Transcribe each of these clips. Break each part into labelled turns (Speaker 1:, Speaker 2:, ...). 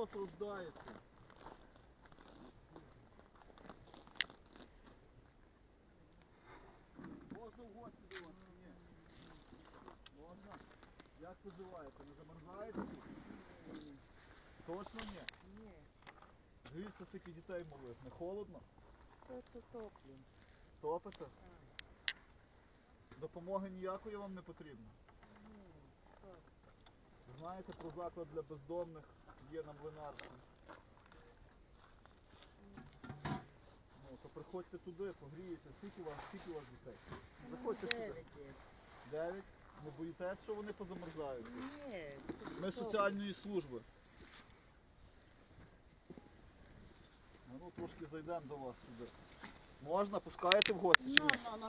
Speaker 1: мороз рождається. Можна в гості до вас? Ні. Можна? Як поживаєте? Не замерзаєте тут? Точно ні?
Speaker 2: Ні,
Speaker 1: Дивіться, скільки дітей малих. Не холодно?
Speaker 2: просто топлю.
Speaker 1: Топите? Допомоги ніякої вам не потрібно?
Speaker 2: Ні, так.
Speaker 1: Знаєте, про заклад для бездомних є на Млинарській. Ну, то приходьте туди, погрієте. Скільки у вас дітей? Заходьте сюди.
Speaker 2: 9 є.
Speaker 1: 9? Не боїтесь, що вони позамерзають?
Speaker 2: Ні.
Speaker 1: Ми з соціальної служби. Ну, трошки зайдемо до вас сюди. Можна? Пускаєте в гості? Чи ні?
Speaker 2: Ну.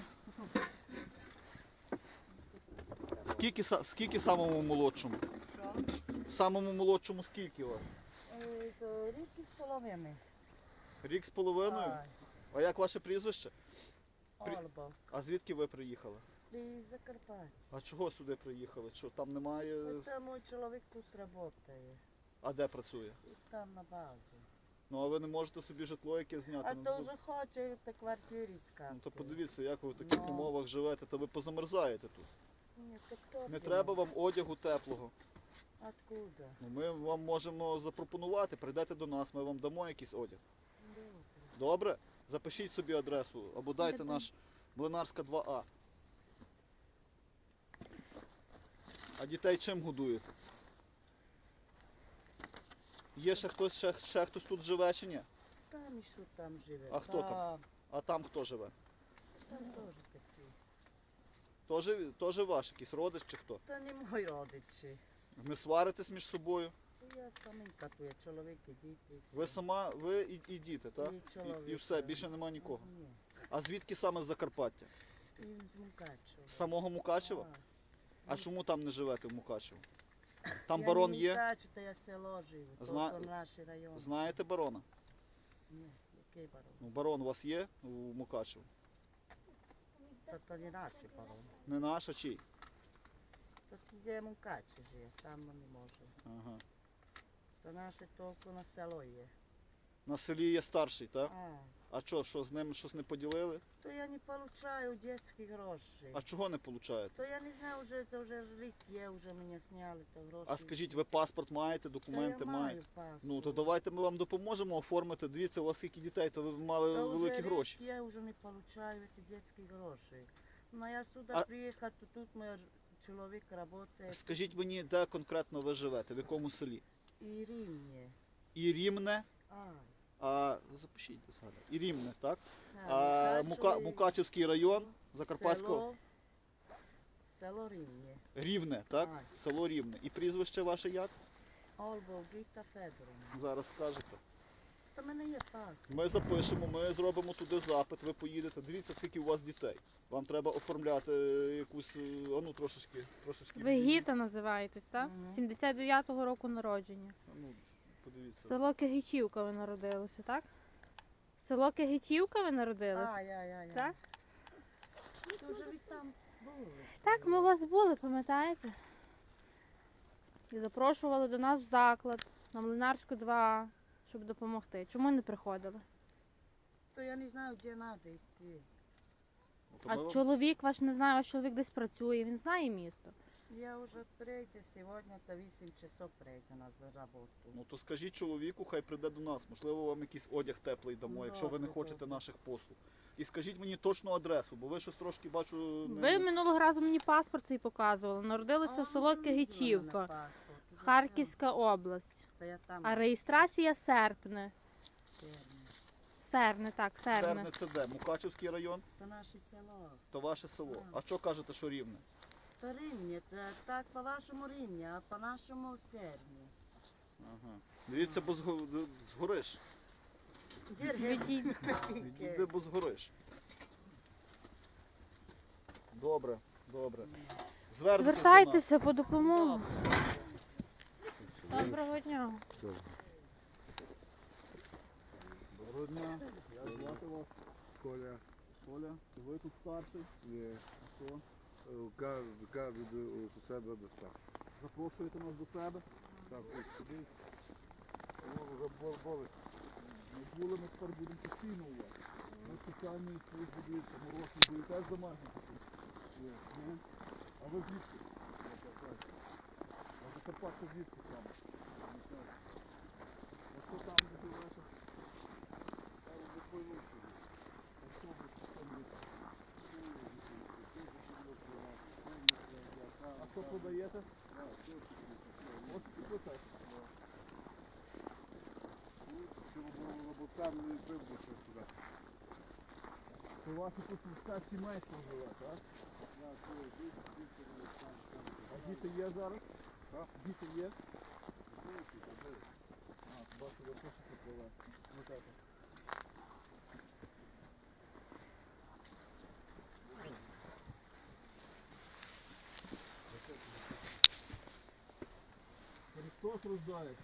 Speaker 1: Скільки самому молодшому?
Speaker 2: Що?
Speaker 1: Самому молодшому скільки у вас?
Speaker 2: То рідкі з половини.
Speaker 1: Рік з половиною?
Speaker 2: Ай,
Speaker 1: А як ваше прізвище?
Speaker 2: Ольба.
Speaker 1: А звідки ви приїхали?
Speaker 2: Ти з Закарпаття.
Speaker 1: А чого сюди приїхали? Що там немає?
Speaker 2: Та мій чоловік тут працює.
Speaker 1: А де працює?
Speaker 2: Там на базі.
Speaker 1: Ну а ви не можете собі житло яке зняти?
Speaker 2: А
Speaker 1: Ну,
Speaker 2: то вже хоче в квартирі скати.
Speaker 1: ну то подивіться, як ви в таких
Speaker 2: Ну.
Speaker 1: умовах живете, то ви позамерзаєте тут.
Speaker 2: Ні, так топлю.
Speaker 1: Не треба вам одягу теплого.
Speaker 2: Откуда?
Speaker 1: Ну, ми вам можемо запропонувати, прийдете до нас, ми вам дамо якийсь одяг.
Speaker 2: Добре.
Speaker 1: Добре? Запишіть собі адресу або дайте
Speaker 2: Добре.
Speaker 1: наш Млинарська 2А. А дітей чим годуєте? Є ще хтось тут живе чи ні?
Speaker 2: Там і що там живе?
Speaker 1: А хто там? А там хто живе?
Speaker 2: Там теж такі.
Speaker 1: Тоже ваш якийсь родич чи хто?
Speaker 2: Та не мої родичі.
Speaker 1: Не сваритесь між собою?
Speaker 2: Я саменька тут, є чоловік і діти.
Speaker 1: Ви сама, ви і діти, так?
Speaker 2: І чоловік.
Speaker 1: І все, більше нема нікого.
Speaker 2: Ні.
Speaker 1: А звідки саме з Закарпаття?
Speaker 2: І з Мукачева.
Speaker 1: З самого Мукачева? А
Speaker 2: Із-
Speaker 1: чому там не живете в Мукачево? Там
Speaker 2: Я
Speaker 1: барон
Speaker 2: не
Speaker 1: є?
Speaker 2: Мукачево, я село живу,
Speaker 1: Зна-
Speaker 2: то наш район.
Speaker 1: Знаєте барона?
Speaker 2: Ні, який барон?
Speaker 1: Ну, барон у вас є у Мукачево?
Speaker 2: То не наш барон.
Speaker 1: Не наш, а чий?
Speaker 2: То є Мукаче живе, там ми не можемо.
Speaker 1: Ага.
Speaker 2: То наше тільки на село є.
Speaker 1: На селі є старший, так?
Speaker 2: А,
Speaker 1: А що з ним щось не поділили?
Speaker 2: то я не получаю дитячі гроші.
Speaker 1: А чого не получаєте?
Speaker 2: То я не знаю, це вже рік є, вже мене зняли, то гроші.
Speaker 1: А скажіть, ви паспорт маєте,
Speaker 2: Та
Speaker 1: документи
Speaker 2: я
Speaker 1: маєте?
Speaker 2: маю паспорт.
Speaker 1: Ну, то давайте ми вам допоможемо оформити. Дивіться, у вас скільки дітей, то ви мали
Speaker 2: Та вже
Speaker 1: великі
Speaker 2: рік
Speaker 1: гроші.
Speaker 2: Я вже не получаю ці дитячі гроші. Ну я сюди
Speaker 1: А-
Speaker 2: приїхав, то тут мій чоловік працює.
Speaker 1: Скажіть мені, де конкретно ви живете, в якому селі?
Speaker 2: І Рівне.
Speaker 1: І Рівне,
Speaker 2: А,
Speaker 1: запишіть згадаю. І Рівне, так?
Speaker 2: Мукачево і
Speaker 1: Мукачевський район, Закарпатського.
Speaker 2: Село Рівне.
Speaker 1: Рівне, так?
Speaker 2: Так.
Speaker 1: Село Рівне. І прізвище ваше як?
Speaker 2: Ольга Гіта Федоровна.
Speaker 1: Зараз скажете.
Speaker 2: Та в мене є паспорт.
Speaker 1: Ми запишемо, ми зробимо туди запит, ви поїдете. Дивіться, скільки у вас дітей. Вам треба оформляти якусь, ну трошечки.
Speaker 3: Ви Гіта називаєтесь, так?
Speaker 2: Мгм.
Speaker 3: 79-го року народження.
Speaker 1: Ну, подивіться.
Speaker 3: Село Кигичівка ви народилися, так? Село Кигичівка ви народилися?
Speaker 2: Я.
Speaker 3: Так?
Speaker 2: Ти вже від там були.
Speaker 3: Так, ми у вас були, пам'ятаєте? І запрошували до нас в заклад на Млинарську 2А, щоб допомогти. Чому не приходили?
Speaker 2: То я не знаю, де треба йти.
Speaker 1: Ну, то ми
Speaker 3: А
Speaker 1: вам-
Speaker 3: чоловік ваш не знає, ваш чоловік десь працює, він знає місто.
Speaker 2: Я вже прийду сьогодні, то 8 часов прийду на роботу.
Speaker 1: Ну то скажіть чоловіку, хай прийде до нас. Можливо, вам якийсь одяг теплий дамо,
Speaker 2: Ну,
Speaker 1: якщо ви не
Speaker 2: добре,
Speaker 1: хочете
Speaker 2: добре.
Speaker 1: наших послуг. І скажіть мені точну адресу, бо ви щось трошки бачу.
Speaker 3: Ви минулого разу мені паспорт цей показували. Народилися в село Кигичівка, Харківська область.
Speaker 2: Та я там
Speaker 3: А реєстрація Серпне. Серне, так, Серне.
Speaker 1: Серне це де? Мукачевський район,
Speaker 2: То наше село.
Speaker 1: то ваше село.
Speaker 2: А.
Speaker 1: А що кажете, що Рівне?
Speaker 2: То Рівне, так по-вашому Рівне, а по-нашому Серне.
Speaker 1: Ага. Дивіться, бо згориш. Відійди, бо згориш. Добре, добре. Звернетесь до нас.
Speaker 3: Звертайтеся по допомогу. Доброго дня.
Speaker 1: Доброго дня. Як звати вас?
Speaker 4: Коля,
Speaker 1: Коля, ви тут старший?
Speaker 4: є.
Speaker 1: А що?
Speaker 4: Кажу до себе до старшого.
Speaker 1: Запрошуєте нас до себе?
Speaker 4: Так, ось сюди. були.
Speaker 1: Ми були, ми тепер будемо постійно у вас. Ми спеціальні служби дивіться, морозні бої теж замерзнути тут. А ви звідки? А Закарпаття звідки саме? А що там де живете?
Speaker 4: Там вже поймуші.
Speaker 1: А що ви там є? А що продаєте? Ось тут теж.
Speaker 4: Лоботам не прибув сюди.
Speaker 1: Це ваші тут все сімейство живе, так? А діти є зараз? Так. Діти є? А, бачу, ви пишете про вас. Ну так. Христос рождається.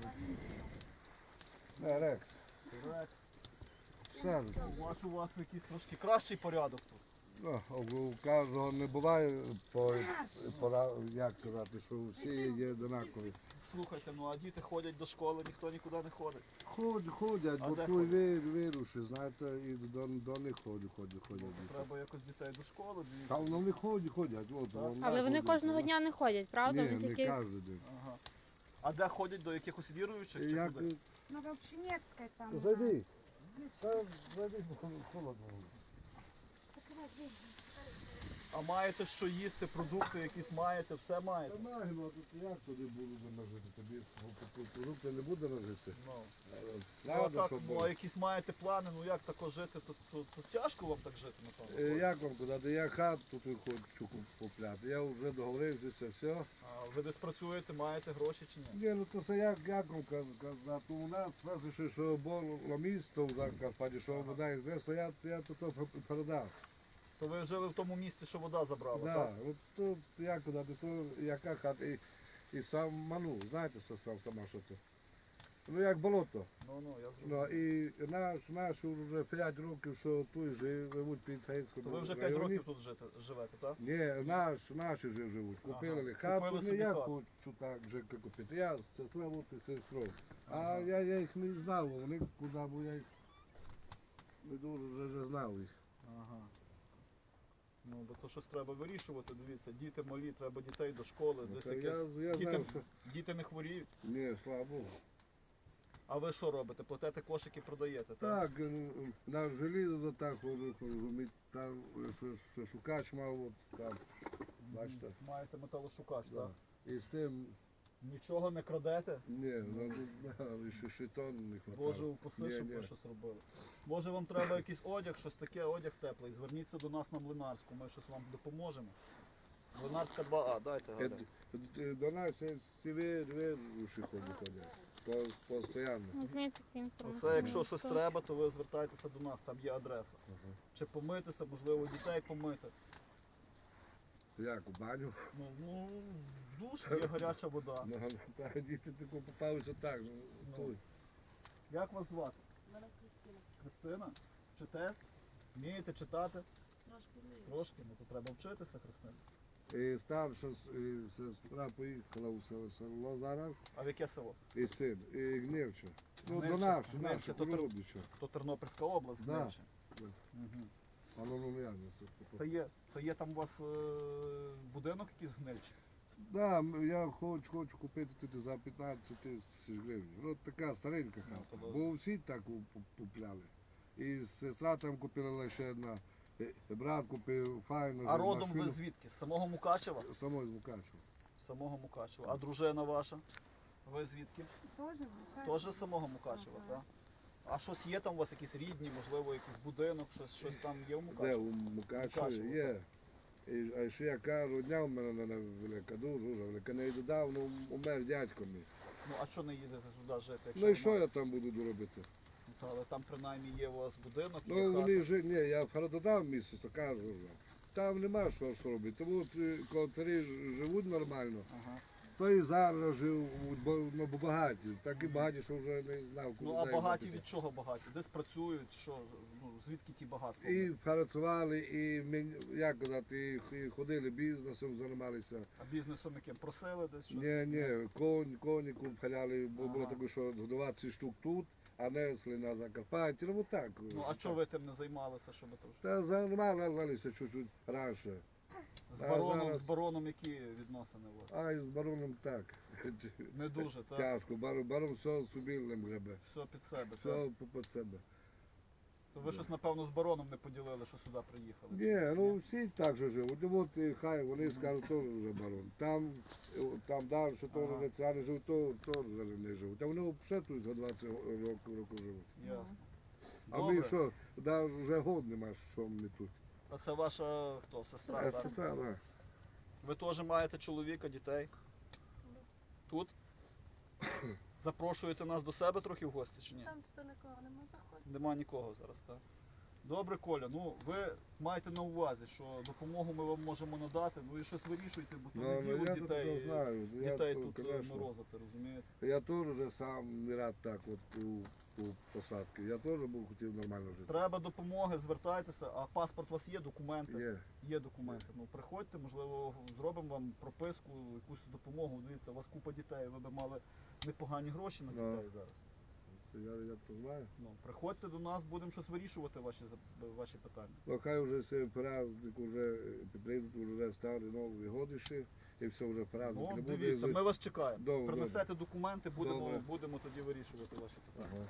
Speaker 4: Рекс.
Speaker 1: Рекс.
Speaker 4: Все.
Speaker 1: У вас якийсь трошки кращий порядок тут.
Speaker 4: Ну, у кожного не буває, як казати, що всі є однакові.
Speaker 1: Слухайте, ну а діти ходять до школи, ніхто нікуди не ходить.
Speaker 4: Ходять,
Speaker 1: А
Speaker 4: бо
Speaker 1: де
Speaker 4: тут
Speaker 1: ходять?
Speaker 4: вируші, знаєте, і до них ходять.
Speaker 1: Треба якось дітей до школи
Speaker 4: Та
Speaker 1: дивіться.
Speaker 4: вони ходять, от.
Speaker 1: Так.
Speaker 3: Але вони кожного дня не ходять, правда?
Speaker 4: Ні,
Speaker 3: Вони
Speaker 4: не
Speaker 3: тільки
Speaker 4: кожен день.
Speaker 1: Ага. А де ходять до якихось віруючих чи
Speaker 4: Як...
Speaker 1: куди?
Speaker 5: Ну, в Общенецкой там.
Speaker 4: Зайди. Та зайди, бо холодно.
Speaker 1: А маєте що їсти, продукти якісь маєте, все маєте?
Speaker 4: Та нагідно, тут як туди буду нажити? Тобі продукти не буде нажити.
Speaker 1: Ну. Ну, а
Speaker 4: Правда,
Speaker 1: так,
Speaker 4: що
Speaker 1: ну, а
Speaker 4: було?
Speaker 1: якісь маєте плани, ну як тако жити, то тяжко вам так жити, напевно.
Speaker 4: Як вам казати, я хату тут хочу купляти. Я вже договорився, все.
Speaker 1: А ви десь працюєте, маєте гроші чи ні?
Speaker 4: Ні, ну то це як вам казати, у нас сразу, що було місто в Закарпатті, що вода йде, то я тут передав.
Speaker 1: То ви жили в тому місці, що вода забрала,
Speaker 4: Да,
Speaker 1: так?
Speaker 4: от тут, як казати, то яка хата, і сам ману, знаєте, що сама що це? Ну як болото.
Speaker 1: Ну, я
Speaker 4: Ну,
Speaker 1: зрозумів.
Speaker 4: і наш вже 5 років, що тут живуть під Гейському
Speaker 1: То ви вже 5 років тут живете, так?
Speaker 4: Ні, наші вже живуть. Купили
Speaker 1: Ага,
Speaker 4: хату,
Speaker 1: купили
Speaker 4: ну
Speaker 1: собі
Speaker 4: я
Speaker 1: хату.
Speaker 4: хочу так вже купити. Я сестра бути сестрою. А я їх не знав, вони куди, бо я їх не дуже вже знав їх.
Speaker 1: Ага. Ну, бо то щось треба вирішувати, дивіться, діти малі, треба дітей до школи,
Speaker 4: Ну,
Speaker 1: десь
Speaker 4: та
Speaker 1: якесь...
Speaker 4: я
Speaker 1: Діти,
Speaker 4: знав, що...
Speaker 1: діти не хворіють.
Speaker 4: Ні, слава Богу.
Speaker 1: А ви що робите? Платите кошики, продаєте, так?
Speaker 4: Так, на желізо так ходжу, ми там що шукач мав, от там, бачите.
Speaker 1: Маєте металошукач,
Speaker 4: Да.
Speaker 1: так?
Speaker 4: І з тим,
Speaker 1: Нічого не крадете?
Speaker 4: ні, ще шитон не хватало.
Speaker 1: Боже, упаси,
Speaker 4: Ні,
Speaker 1: щоб
Speaker 4: ні.
Speaker 1: ви щось робили. Може вам треба якийсь одяг, щось таке, одяг теплий. Зверніться до нас на Млинарську, ми щось вам допоможемо. Млинарська 2А, дайте Галя.
Speaker 4: До нас всі вируші ходять. Постоянно.
Speaker 3: візьміть таку інформацію.
Speaker 1: Оце якщо щось треба, то ви звертайтеся до нас, там є адреса. Чи помитися, можливо, дітей помити.
Speaker 4: Як, у баню?
Speaker 1: Ну, в душ є гаряча вода.
Speaker 4: Ну, та діти тако попалися так.
Speaker 1: Ну.
Speaker 4: Тут.
Speaker 1: Як вас звати?
Speaker 2: Мене Кристина.
Speaker 1: Христина? Читес? Вмієте читати?
Speaker 2: Трошки вмію.
Speaker 1: Трошки, ну то треба вчитися, Христина.
Speaker 4: І старша сестра поїхала в село зараз,
Speaker 1: А в яке село?
Speaker 4: і син, і Гнівче. Ну,
Speaker 1: Гнивче.
Speaker 4: до нас,
Speaker 1: Гнивче, то
Speaker 4: Породича.
Speaker 1: То Тернопільська область,
Speaker 4: Да.
Speaker 1: Гнивче.
Speaker 4: Да.
Speaker 1: Угу.
Speaker 4: А ну я не
Speaker 1: То є там у вас будинок якийсь в Гнивчі?
Speaker 4: Да, я хочу купити тут за 15 тисяч гривень. Ну, така старенька
Speaker 1: Ну,
Speaker 4: хата.
Speaker 1: то
Speaker 4: Бо всі так купляли. І сестра там купила лише одна. І брат купив файну.
Speaker 1: А родом
Speaker 4: машину.
Speaker 1: ви звідки? З самого Мукачева?
Speaker 4: Самої з Мукачева.
Speaker 1: З самого Мукачева. А дружина ваша? Ви звідки?
Speaker 5: Тоже
Speaker 1: Теж з самого Мукачева, так? А щось є там у вас якісь рідні, можливо, якийсь будинок, щось там є в
Speaker 4: Де
Speaker 1: Мукачеві?
Speaker 4: у Мукачеві
Speaker 1: Мукачево,
Speaker 4: є. А ще яка родня в мене велика, дуже велика. Недавно умер дядько мій.
Speaker 1: Ну а чого не їдете туди жити? Якщо
Speaker 4: Ну і що
Speaker 1: немає?
Speaker 4: я там буду робити?
Speaker 1: Ну, та, але там принаймні є у вас будинок, є
Speaker 4: Ну
Speaker 1: хата.
Speaker 4: вони вже, ні, я в Харододав місце, то кажу вже. Там нема що робити. Тому от, коли живуть нормально,
Speaker 1: Ага.
Speaker 4: то і зараз живуть, бо багаті. Такі багаті, що вже не знав, куди
Speaker 1: Ну а багаті
Speaker 4: діватися.
Speaker 1: від чого багаті? Десь працюють, що, ну, звідки ті багатства?
Speaker 4: І працювали, і як казати, і ходили бізнесом, займалися.
Speaker 1: А бізнесом яким? Просили десь щось?
Speaker 4: Ні, коні купляли, бо було таке, що 20 штук тут, а несли на Закарпатті, ну так.
Speaker 1: Ну, а чого ви тим не займалися, що ви там?
Speaker 4: Та займалися чуть-чуть раніше.
Speaker 1: З бароном які відносини у вас?
Speaker 4: А і з бароном так.
Speaker 1: Не дуже, так?
Speaker 4: Тяжко. Барон все собі гребе.
Speaker 1: Все під себе, так?
Speaker 4: Все під себе.
Speaker 1: То ви щось, напевно, з бароном не поділили, що сюди приїхали?
Speaker 4: Ні, ну всі так же живуть. От і хай вони скажуть, теж вже барон. Там далі, що теж вже ця не живуть, то теж не живуть. А вони взагалі тут за 20 років живуть.
Speaker 1: Ясно.
Speaker 4: А ми
Speaker 1: Добре.
Speaker 4: що, вже год нема, що ми тут.
Speaker 1: А це ваша хто? Сестра,
Speaker 4: А
Speaker 1: так?
Speaker 4: сестра, да.
Speaker 1: Ви теж маєте чоловіка, дітей? Тут? Запрошуєте нас до себе трохи в гості чи ні?
Speaker 5: Там тепер нікого нема заходить.
Speaker 1: Нема нікого зараз, так? Добре, Коля, ну ви маєте на увазі, що допомогу ми вам можемо надати, ну і щось вирішуйте, бо то
Speaker 4: Ну,
Speaker 1: не
Speaker 4: я
Speaker 1: діло
Speaker 4: то
Speaker 1: дітей,
Speaker 4: знаю.
Speaker 1: дітей
Speaker 4: то,
Speaker 1: тут
Speaker 4: конечно.
Speaker 1: морозити, розумієте?
Speaker 4: Я теж вже сам не рад так от у посадці. Я теж був хотів нормально жити.
Speaker 1: Треба допомоги, звертайтеся, а паспорт у вас є, документи?
Speaker 4: Є.
Speaker 1: Є документи. Ну приходьте, можливо, зробимо вам прописку, якусь допомогу. Дивіться, у вас купа дітей, ви б мали непогані гроші на
Speaker 4: Ну.
Speaker 1: дітей зараз.
Speaker 4: Я то знаю.
Speaker 1: Ну, приходьте до нас, будемо щось вирішувати ваші питання.
Speaker 4: Ну хай вже цей праздник вже прийдуть, вже старі нові годиші, і все вже праздник.
Speaker 1: Ну,
Speaker 4: не буде.
Speaker 1: дивіться, ми вас чекаємо.
Speaker 4: Добре,
Speaker 1: Принесете документи, будемо,
Speaker 4: Добре.
Speaker 1: будемо тоді вирішувати ваші питання.
Speaker 4: Ага.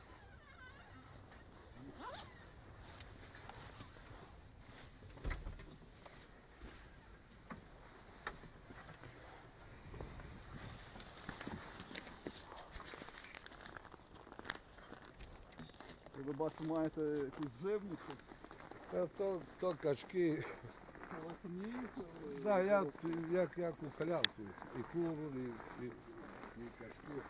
Speaker 1: Ви бачу, маєте якусь живність.
Speaker 4: То качки.
Speaker 1: Ви самі їх?
Speaker 4: Да, як у халявку. І куру, і качки.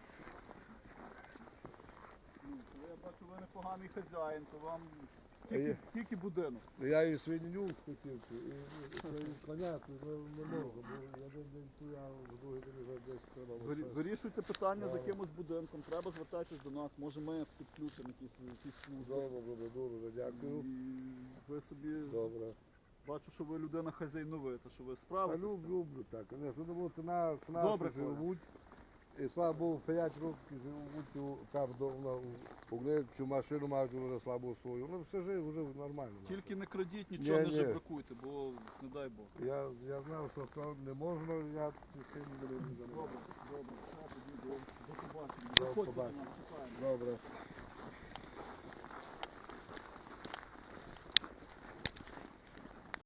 Speaker 1: Я бачу, ви непоганий хазяїн, то вам
Speaker 4: А є-
Speaker 1: тільки будинок.
Speaker 4: Я і свиню хотів, і коня, не можу, бо я один день куя, в другий день вже десь треба.
Speaker 1: Вирішуйте питання з
Speaker 4: Добре.
Speaker 1: якимось будинком, треба звертатись до нас, може ми підключимо якісь служби.
Speaker 4: Добре, дуже дякую.
Speaker 1: І ви собі,
Speaker 4: Добре.
Speaker 1: бачу, що ви людина хазяйновита, що ви
Speaker 4: А
Speaker 1: справитесь.
Speaker 4: люблю так, звісно, тому що наші
Speaker 1: Добре,
Speaker 4: живуть. І слава Богу, 5 років живуть там у Гнильцю, машину мають вже слабу свою. Ну все вже нормально.
Speaker 1: Тільки не крадіть, нічого не
Speaker 4: Ні.
Speaker 1: жебракуйте, бо не дай Бог.
Speaker 4: Я знав, що то не можна, я цим не буду
Speaker 1: Добре,
Speaker 4: займатися.
Speaker 1: добре, все, тоді до побачення.
Speaker 4: До
Speaker 1: Заходьте до
Speaker 4: побачення.
Speaker 1: нас, чекаємо.
Speaker 4: Добре.